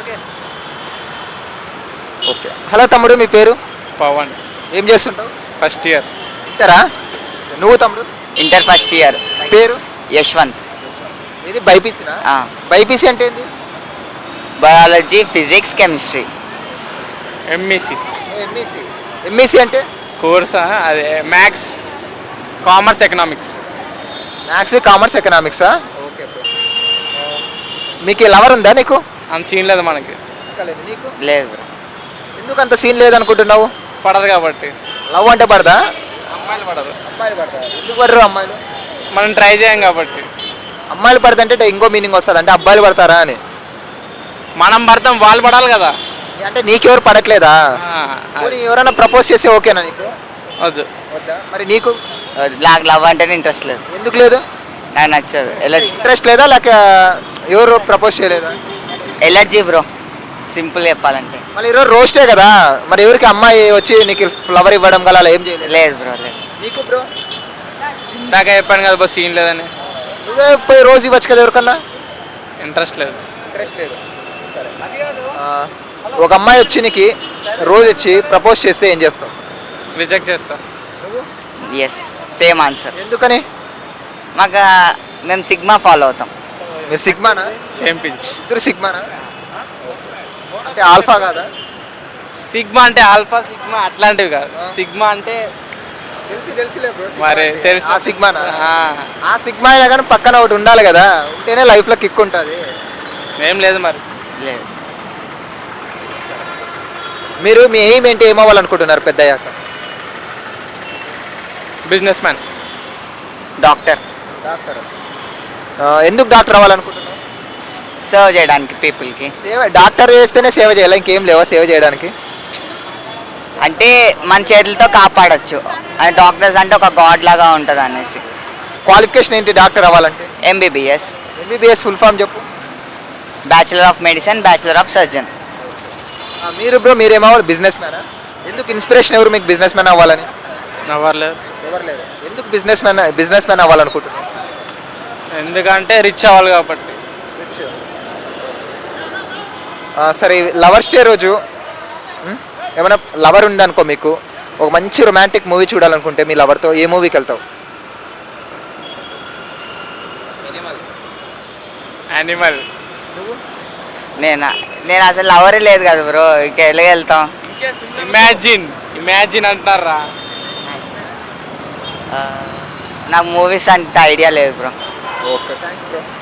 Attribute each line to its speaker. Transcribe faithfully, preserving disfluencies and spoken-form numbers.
Speaker 1: Okay. Hello తమ్ముడు, మీ పేరు?
Speaker 2: పవన్.
Speaker 1: ఏం చేస్తుంటావు?
Speaker 2: First year.
Speaker 1: ఇంటరా? నువ్వు తమ్ముడు?
Speaker 3: Inter first year.
Speaker 1: పేరు?
Speaker 3: యశ్వంత్.
Speaker 1: ఇది బైపీసీనా?
Speaker 3: ఆ.
Speaker 1: బైపీసీ అంటే ఏంది?
Speaker 3: Biology, physics, chemistry.
Speaker 2: MEC
Speaker 1: MEC. MEC అంటే?
Speaker 2: కోర్సా అదే maths, commerce, economics.
Speaker 1: Maths, commerce, ఎకనామిక్సా? Okay bro. మీకు లవర్ ఉందా నీకు?
Speaker 2: అంత సీన్ లేదు మనకి.
Speaker 1: నీకు
Speaker 3: లేదు.
Speaker 1: ఎందుకు అంత సీన్ లేదనుకుంటున్నావు?
Speaker 2: పడదు కాబట్టి.
Speaker 1: లవ్ అంటే పడదా?
Speaker 2: అమ్మాయిలు పడదు.
Speaker 1: అమ్మాయిలు పడతారు. ఎందుకు పడరు అమ్మాయిలు?
Speaker 2: మనం ట్రై చేయం కాబట్టి.
Speaker 1: అమ్మాయిలు పడదంటే ఇంకో మీనింగ్ వస్తుంది, అంటే అబ్బాయిలు పడతారా అని.
Speaker 2: మనం పడతాం, వాళ్ళు పడాలి కదా.
Speaker 1: అంటే నీకెవరు పడట్లేదా?
Speaker 2: ఆ,
Speaker 1: పోనీ ఎవరైనా ప్రపోజ్ చేస్తే ఓకేనా నీకు?
Speaker 2: వద్దు.
Speaker 1: వద్దా? మరి నీకు
Speaker 3: నాకు లవ్ అంటేనే ఇంట్రెస్ట్ లేదు.
Speaker 1: ఎందుకు లేదు?
Speaker 3: నాకు నచ్చదు. ఎలర్జీ.
Speaker 1: ఇంట్రెస్ట్ లేదా లేక ఎవరు ప్రపోజ్ చేయలేదా?
Speaker 3: ఎలర్జీ బ్రో, సింపుల్ చెప్పాలంటే.
Speaker 1: మళ్ళీ ఈరోజు రోస్టే కదా, మరి ఎవరికి అమ్మాయి వచ్చి నీకు ఫ్లవర్ ఇవ్వడం గల అలా ఏం చేయలేదు?
Speaker 3: లేదు బ్రో, లేదు.
Speaker 1: నీకు బ్రో?
Speaker 2: ఇందాక చెప్పాను కదా బస్ సీన్ లేదని.
Speaker 1: నువ్వే పోయి రోజు ఇవ్వచ్చు కదా ఎవరికన్నా.
Speaker 2: ఇంట్రెస్ట్ లేదు.
Speaker 1: ఇంట్రెస్ట్ లేదు. సరే. ఆ, ఒక అమ్మాయి వచ్చి నీకు రోజు వచ్చి ప్రపోజ్ చేస్తే ఏం చేస్తావు?
Speaker 2: రిజెక్ట్ చేస్తా.
Speaker 3: Yes, same answer.
Speaker 1: ఎందుకని?
Speaker 3: మాకు మేము సిగ్మా ఫాలో అవుతాం.
Speaker 1: మీరు సిగ్మానా?
Speaker 2: Same pinch.
Speaker 1: ఇద్దరు సిగ్మానా? అంటే ఆల్ఫా కాదా?
Speaker 2: సిగ్మా అంటే ఆల్ఫా, సిగ్మా అట్లాంటివి కాదు. సిగ్మా అంటే
Speaker 1: తెలిసి తెలిసిలే బ్రో.
Speaker 2: మరి తెలుసు.
Speaker 1: ఆ సిగ్మానా?
Speaker 2: ఆ,
Speaker 1: ఆ సిగ్మా అయినా కానీ పక్కన ఒకటి ఉండాలి కదా, ఉంటేనే లైఫ్లో కిక్ ఉంటుంది.
Speaker 2: ఏం లేదు మరి.
Speaker 3: లేదు.
Speaker 1: మీరు మీ ఎయిమ్ ఏంటి, ఏమవ్వాలనుకుంటున్నారు పెద్ద అయ్యాక?
Speaker 2: Business man.
Speaker 3: డాక్టర్.
Speaker 1: డాక్టర్. ఎందుకు డాక్టర్ అవ్వాలనుకుంటున్నారు?
Speaker 3: సర్వ్ చేయడానికి పీపుల్కి.
Speaker 1: సేవ. డాక్టర్ చేస్తేనే సేవ చేయాలి, ఇంకేం లేవా సేవ చేయడానికి?
Speaker 3: అంటే మన చేతులతో కాపాడచ్చు. అది డాక్టర్స్ అంటే ఒక గాడ్ లాగా ఉంటుంది అనేసి.
Speaker 1: క్వాలిఫికేషన్ ఏంటి డాక్టర్ అవ్వాలంటే?
Speaker 3: ఎంబీబీఎస్.
Speaker 1: ఎంబీబీఎస్ ఫుల్ ఫామ్ చెప్పు.
Speaker 3: Bachelor of medicine, bachelor of surgeon.
Speaker 1: ఆ, మీరు బ్రో మీరేమవ్వాలి? బిజినెస్ మ్యానా? ఎందుకు ఇన్స్పిరేషన్ ఎవరు మీకు బిజినెస్ మ్యాన్ అవ్వాలని?
Speaker 2: అవ్వలేదు.
Speaker 1: ఎవరు లేదు. ఎందుకు బిజినెస్ మ్యాన్ బిజినెస్ మ్యాన్ అవ్వాలనుకుంటున్నారు?
Speaker 2: ఎందుకంటే రిచ్ అవ్వాలి కాబట్టి.
Speaker 1: ఆ, సరే. లవర్స్ డే రోజు ఉం? ఏమైనా లవర్ ఉందనుకో, మీకు ఒక మంచి రొమాంటిక్ మూవీ చూడాలనుకుంటే మీ లవర్తో ఏ మూవీకి వెళ్తావు?
Speaker 2: యానిమల్.
Speaker 3: నేనా? నేను అసలు లవరే లేదు కదా బ్రో, ఇక ఎలాగ వెళ్తాం?
Speaker 2: ఇమాజిన్. ఇమాజిన్ అంటారా?
Speaker 3: నాకు మూవీస్ అంత ఐడియా లేదు బ్రో.
Speaker 1: Okay, thanks bro.